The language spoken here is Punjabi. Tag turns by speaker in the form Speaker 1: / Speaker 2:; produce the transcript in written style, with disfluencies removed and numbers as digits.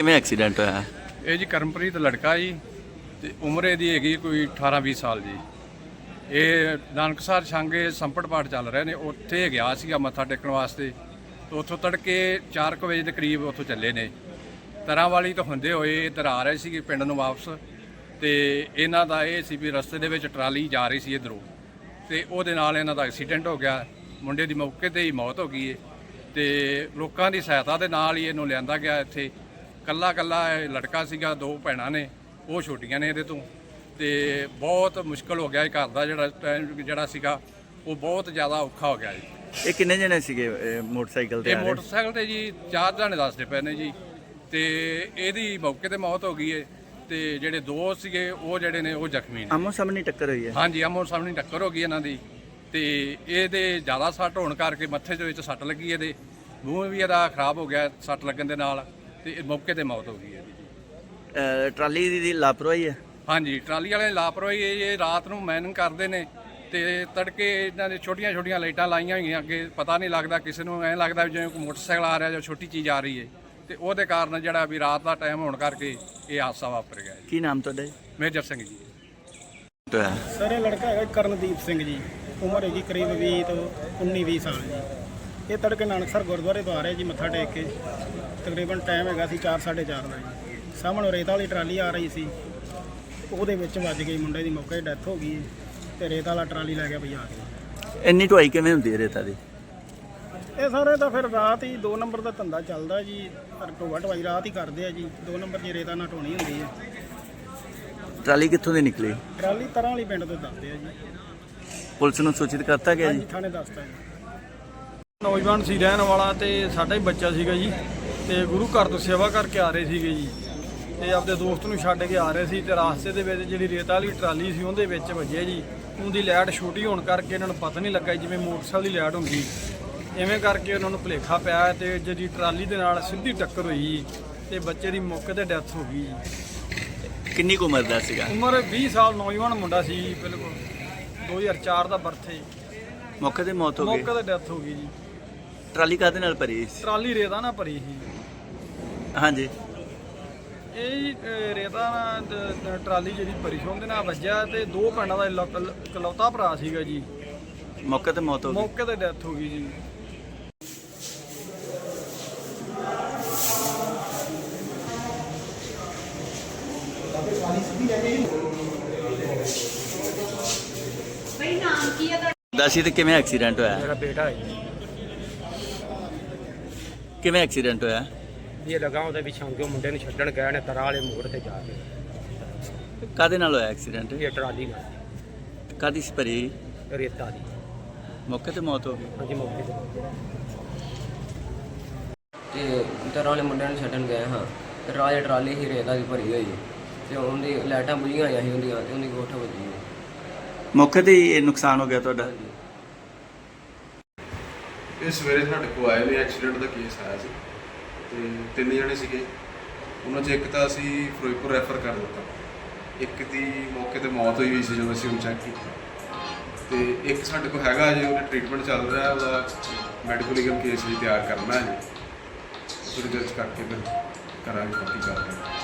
Speaker 1: ਕਿਵੇਂ ਐਕਸੀਡੈਂਟ ਹੋਇਆ?
Speaker 2: ਇਹ ਜੀ ਕਰਮਪ੍ਰੀਤ ਲੜਕਾ ਜੀ ਤੇ ਉਮਰ ਇਹਦੀ ਹੈਗੀ ਕੋਈ 18-20 ਸਾਲ ਜੀ। ਇਹ ਨਾਨਕਸਰ ਛਾਂਗੇ ਸੰਪਟ ਪਾਠ ਚੱਲ ਰਹੇ ਨੇ, ਉੱਥੇ ਗਿਆ ਸੀਗਾ ਮੱਥਾ ਟੇਕਣ ਵਾਸਤੇ। ਤੇ ਉੱਥੋਂ ਤੜਕੇ 4 ਵਜੇ ਦੇ ਕਰੀਬ ਉੱਥੋਂ ਚੱਲੇ ਨੇ। ਤਰਾਂ ਵਾਲੀ ਤੋਂ ਹੁੰਦੇ ਹੋਏ ਇੱਧਰ ਆ ਰਹੇ ਸੀਗੇ ਪਿੰਡ ਨੂੰ ਵਾਪਸ। ਤੇ ਇਹਨਾਂ ਦਾ ਇਹ ਸੀ ਵੀ ਰਸਤੇ ਦੇ ਵਿੱਚ ਟਰਾਲੀ ਜਾ ਰਹੀ ਸੀ ਇੱਧਰੋਂ, ਤੇ ਉਹਦੇ ਨਾਲ ਇਹਨਾਂ ਦਾ ਐਕਸੀਡੈਂਟ ਹੋ ਗਿਆ। ਮੁੰਡੇ ਦੀ ਮੌਕੇ 'ਤੇ ਹੀ ਮੌਤ ਹੋ ਗਈ ਹੈ। ਤੇ ਲੋਕਾਂ ਦੀ ਸਹਾਇਤਾ ਦੇ ਨਾਲ ਹੀ ਇਹਨੂੰ ਲਿਆਂਦਾ ਗਿਆ ਇੱਥੇ। ਕੱਲਾ ਇਹ ਲੜਕਾ ਸੀਗਾ, 2 ਭੈਣਾਂ ਨੇ, ਉਹ ਛੋਟੀਆਂ ਨੇ ਇਹਦੇ ਤੋਂ। ਤੇ ਬਹੁਤ ਮੁਸ਼ਕਲ ਹੋ ਗਿਆ ਇਹ ਘਰ ਦਾ ਜਿਹੜਾ ਸੀਗਾ ਉਹ ਬਹੁਤ ਜ਼ਿਆਦਾ ਔਖਾ ਹੋ ਗਿਆ ਜੀ।
Speaker 1: ਇਹ ਕਿੰਨੇ ਜਣੇ ਸੀਗੇ ਮੋਟਰਸਾਈਕਲ ਤੇ?
Speaker 2: ਇਹ ਮੋਟਰਸਾਈਕਲ ਤੇ ਜੀ 4 ਜਣੇ ਦੱਸਦੇ ਪਏ ਨੇ ਜੀ। ਤੇ ਇਹਦੀ ਮੌਕੇ ਤੇ ਮੌਤ ਹੋ ਗਈ ਹੈ। ਤੇ ਜਿਹੜੇ 2 ਸੀਗੇ ਉਹ ਜਿਹੜੇ ਨੇ ਉਹ ਜ਼ਖਮੀ ਨੇ।
Speaker 1: ਆਮੋ ਸਾਹਮਣੇ ਟੱਕਰ ਹੋਈ ਹੈ?
Speaker 2: ਹਾਂਜੀ, ਆਮੋ ਸਾਹਮਣੇ ਟੱਕਰ ਹੋ ਗਈ ਇਹਨਾਂ ਦੀ। ਤੇ ਇਹਦੇ ਜ਼ਿਆਦਾ ਸੱਟ ਹੋਣ ਕਰਕੇ ਮੱਥੇ ਦੇ ਵਿੱਚ ਸੱਟ ਲੱਗੀ, ਇਹਦੇ ਮੂੰਹ ਵੀ ਇਹਦਾ ਖਰਾਬ ਹੋ ਗਿਆ ਸੱਟ ਲੱਗਣ ਦੇ ਨਾਲ। ਤੇ ਮੌਕੇ ਤੇ ਮੌਤ ਹੋ ਗਈ ਇਹਦੀ।
Speaker 1: ਟਰਾਲੀ ਦੀ ਲਾਪਰਵਾਹੀ ਹੈ?
Speaker 2: ਹਾਂਜੀ, ਟਰਾਲੀ ਵਾਲੇ ਲਾਪਰਵਾਹੀ। ਇਹ ਰਾਤ ਨੂੰ ਮੈਨਿੰਗ ਕਰਦੇ ਨੇ ਤੇ ਤੜਕੇ ਇਹਨਾਂ ਦੇ ਛੋਟੀਆਂ ਲਾਈਟਾਂ ਲਾਈਆਂ ਹੋਈਆਂ, ਅੱਗੇ ਪਤਾ ਨਹੀਂ ਲੱਗਦਾ ਕਿਸੇ ਨੂੰ। ਐਂ ਲੱਗਦਾ ਜਿਵੇਂ ਕੋਈ ਮੋਟਰਸਾਈਕਲ ਆ ਰਿਹਾ ਜਾਂ ਛੋਟੀ ਚੀਜ਼ ਆ ਰਹੀ ਹੈ। ਤੇ ਉਹਦੇ ਕਾਰਨ ਜਿਹੜਾ ਵੀ ਰਾਤ ਦਾ ਟਾਈਮ ਹੋਣ ਕਰਕੇ ਇਹ ਹਾਦਸਾ ਵਾਪਰ ਗਿਆ।
Speaker 1: ਕੀ ਨਾਮ ਤੁਹਾਡਾ ਜੀ?
Speaker 2: ਮੇਜਰ ਸਿੰਘ ਜੀ।
Speaker 3: ਸਰ ਇਹ ਲੜਕਾ ਹੈਗਾ ਕਰਨਦੀਪ ਸਿੰਘ ਜੀ, ਉਮਰ ਹੈਗੀ ਕਰੀਬ 20 ਤੋਂ 19-20 ਸਾਲ ਜੀ। ਇਹ ਤੜਕੇ ਨਾਨਕਸਰ ਗੁਰਦੁਆਰੇ ਤੋਂ ਆ ਰਿਹਾ ਜੀ ਮੱਥਾ ਟੇਕ ਕੇ। ਤਕਰੀਬਨ ਟਾਈਮ ਹੈਗਾ ਸੀ 4-4:30 ਦਾ ਜੀ। ਸਾਹਮਣੇ ਰੇਤ ਵਾਲੀ ਟਰਾਲੀ ਆ ਰਹੀ ਸੀ, ਉਹਦੇ ਵਿੱਚ ਵੱਜ ਗਈ, ਮੁੰਡੇ ਦੀ ਮੌਕੇ 'ਤੇ ਡੈਥ ਹੋ ਗਈ। ਤੇ ਰੇਤ ਵਾਲਾ ਟਰਾਲੀ ਲੈ ਗਿਆ ਭਜਾ ਕੇ।
Speaker 1: ਇੰਨੀ ਢੁਆਈ ਕਿਵੇਂ ਹੁੰਦੀ ਹੈ ਰੇਤਾ ਦੀ?
Speaker 3: ਇਹ ਸਾਰੇ ਤਾਂ ਫਿਰ ਰਾਤ ਹੀ 2 ਨੰਬਰ ਦਾ ਧੰਦਾ ਚੱਲਦਾ ਜੀ। ਢੋਆ ਢਵਾਈ ਰਾਤ ਹੀ ਕਰਦੇ ਆ ਜੀ। 2 ਨੰਬਰ ਦੀ ਰੇਤਾ ਨਾਲ ਢੋਣੀ ਹੁੰਦੀ ਹੈ।
Speaker 1: ਟਰਾਲੀ ਕਿੱਥੋਂ ਦੀ ਨਿਕਲੀ?
Speaker 3: ਟਰਾਲੀ ਤਰਾਂ ਵਾਲੀ ਪਿੰਡ ਤੋਂ ਦੱਸਦੇ ਆ ਜੀ।
Speaker 1: ਪੁਲਿਸ ਨੂੰ ਸੂਚਿਤ ਕਰਤਾ ਗਿਆ ਜੀ?
Speaker 3: ਹਾਂਜੀ, ਥਾਣੇ ਦੱਸਤਾ ਜੀ।
Speaker 4: ਨੌਜਵਾਨ ਸੀ ਰਹਿਣ ਵਾਲਾ, ਤੇ ਸਾਡਾ ਹੀ ਬੱਚਾ ਸੀਗਾ ਜੀ। ਤੇ ਗੁਰੂ ਘਰ ਤੋਂ ਸੇਵਾ ਕਰਕੇ ਆ ਰਹੇ ਸੀਗੇ ਜੀ। ਤੇ ਆਪਦੇ ਦੋਸਤ ਨੂੰ ਛੱਡ ਕੇ ਆ ਰਹੇ ਸੀ, ਤੇ ਰਾਸਤੇ ਦੇ ਵਿੱਚ ਜਿਹੜੀ ਰੇਤ ਵਾਲੀ ਟਰਾਲੀ ਸੀ ਉਹਦੇ ਵਿੱਚ ਵੱਜੇ ਜੀ। ਉਹਦੀ ਲਾਈਟ ਛੋਟੀ ਹੋਣ ਕਰਕੇ ਇਹਨਾਂ ਨੂੰ ਪਤਾ ਨਹੀਂ ਲੱਗਾ ਜਿਵੇਂ ਮੋਟਰਸਾਈਕਲ ਦੀ ਲਾਈਟ ਹੁੰਦੀ, ਇਵੇਂ ਕਰਕੇ ਉਹਨਾਂ ਨੂੰ ਭੁਲੇਖਾ ਪਿਆ। ਤੇ ਜਿਹੜੀ ਟਰਾਲੀ ਦੇ ਨਾਲ ਸਿੱਧੀ ਟੱਕਰ ਹੋਈ ਜੀ, ਤੇ ਬੱਚੇ ਦੀ ਮੌਕੇ ਤੇ ਡੈਥ ਹੋ ਗਈ ਜੀ।
Speaker 1: ਕਿੰਨੀ ਕੁ ਉਮਰ ਦਾ ਸੀਗਾ?
Speaker 4: ਉਮਰ 20 ਸਾਲ, ਨੌਜਵਾਨ ਮੁੰਡਾ ਸੀ ਜੀ। ਬਿਲਕੁਲ 2004 ਦਾ ਬਰਥ।
Speaker 1: ਮੌਕੇ ਤੇ ਮੌਤ ਹੋ ਗਈ?
Speaker 4: ਮੌਕੇ ਤੇ ਡੈਥ ਹੋ ਗਈ ਜੀ।
Speaker 1: ਟਰਾਲੀ ਕਾਹਦੇ ਨਾਲ ਭਰੀ ਸੀ?
Speaker 4: ਟਰਾਲੀ ਰੇਤਾ ਨਾਲ ਭਰੀ ਸੀ।
Speaker 1: ਹਾਂਜੀ,
Speaker 4: ਇਹ ਰੇਤਾ ਨਾਲ ਟਰਾਲੀ ਜਿਹੜੀ ਭਰੀ ਸੀ ਉਹਦੇ ਨਾਲ ਵੱਜਿਆ। ਤੇ 2 ਭੈਣਾਂ ਦਾ ਇਕਲੌਤਾ ਭਰਾ ਸੀਗਾ ਜੀ।
Speaker 1: ਮੌਕੇ ਤੇ ਮੌਤ ਹੋ ਗਈ?
Speaker 4: ਮੌਕੇ ਤੇ ਡੈਥ ਹੋ ਗਈ ਜੀ।
Speaker 1: ਦੱਸੀ ਤੇ ਕਿਵੇਂ ਐਕਸੀਡੈਂਟ ਹੋਇਆ?
Speaker 5: मेरा बेटा है जी।
Speaker 1: ਕਿਵੇਂ ਐਕਸੀਡੈਂਟ ਹੋਇਆ?
Speaker 5: ये लगा ਉਹਦੇ ਵਿੱਚ ਛਾਂਗੇ ਮੁੰਡੇ ਨੂੰ ਛੱਡਣ ਗਏ ਨੇ ਤਰਾ ਵਾਲੇ ਮੋੜ ਤੇ ਜਾ ਕੇ।
Speaker 1: ਕਾਹਦੇ ਨਾਲ ਹੋਇਆ ਐਕਸੀਡੈਂਟ?
Speaker 5: ਇਹ ਟਰਾਲੀ ਨਾਲ
Speaker 1: ਕਾਹਦੀ ਸੀ ਭਰੀ?
Speaker 5: ਰੇਤਾ ਦੀ।
Speaker 1: ਮੌਕੇ ਤੇ ਮੌਤ ਹੋ ਗਈ?
Speaker 5: ਹਾਂਜੀ, ਮੌਕੇ ਤੇ।
Speaker 6: ਤੇ ਤਰਾਂ ਵਾਲੇ ਮੁੰਡਿਆਂ ਨੂੰ ਛੱਡਣ ਗਏ ਹਾਂ। ਤੇ ਰਾਜ ਟਰਾਲੀ ਹੀ ਰੇਤਾ ਦੀ ਭਰੀ ਹੋਈ ਤੇ ਉਹਦੀ ਲਾਈਟਾਂ ਬੁਝੀਆਂ ਹੋਈਆਂ ਸੀ ਉਹਦੀਆਂ, ਤੇ ਉਹਦੀ ਗੋਠ ਵੱਜੀ।
Speaker 1: ਮੌਕੇ ਤੇ ਹੀ ਇਹ ਨੁਕਸਾਨ ਹੋ ਗਿਆ ਤੁਹਾਡਾ?
Speaker 7: ਇਹ ਸਵੇਰੇ ਸਾਡੇ ਕੋਲ ਆਏ ਨੇ, ਐਕਸੀਡੈਂਟ ਦਾ ਕੇਸ ਆਇਆ ਸੀ। ਤੇ 3 ਜਣੇ ਸੀਗੇ, ਉਹਨਾਂ 'ਚ ਇੱਕ ਤਾਂ ਅਸੀਂ ਫਿਰੋਜ਼ਪੁਰ ਰੈਫਰ ਕਰ ਦਿੱਤਾ, ਇੱਕ ਦੀ ਮੌਕੇ ਤੇ ਮੌਤ ਹੋਈ ਸੀ ਜਦੋਂ ਅਸੀਂ ਉਹਨੂੰ ਚੈੱਕ ਕੀਤਾ। ਤੇ ਇੱਕ ਸਾਡੇ ਕੋਲ ਹੈਗਾ ਜੀ, ਉਹਦਾ ਟ੍ਰੀਟਮੈਂਟ ਚੱਲ ਰਿਹਾ, ਉਹਦਾ ਮੈਡੀਕਲ ਲੀਗਲ ਕੇਸ ਵੀ ਤਿਆਰ ਕਰਨਾ ਹੈ ਜੀ। ਥੋੜ੍ਹੀ ਦੇਰ 'ਚ ਕਰਕੇ ਫਿਰ ਕਰਾਂਗੇ ਬਾਕੀ ਗੱਲ।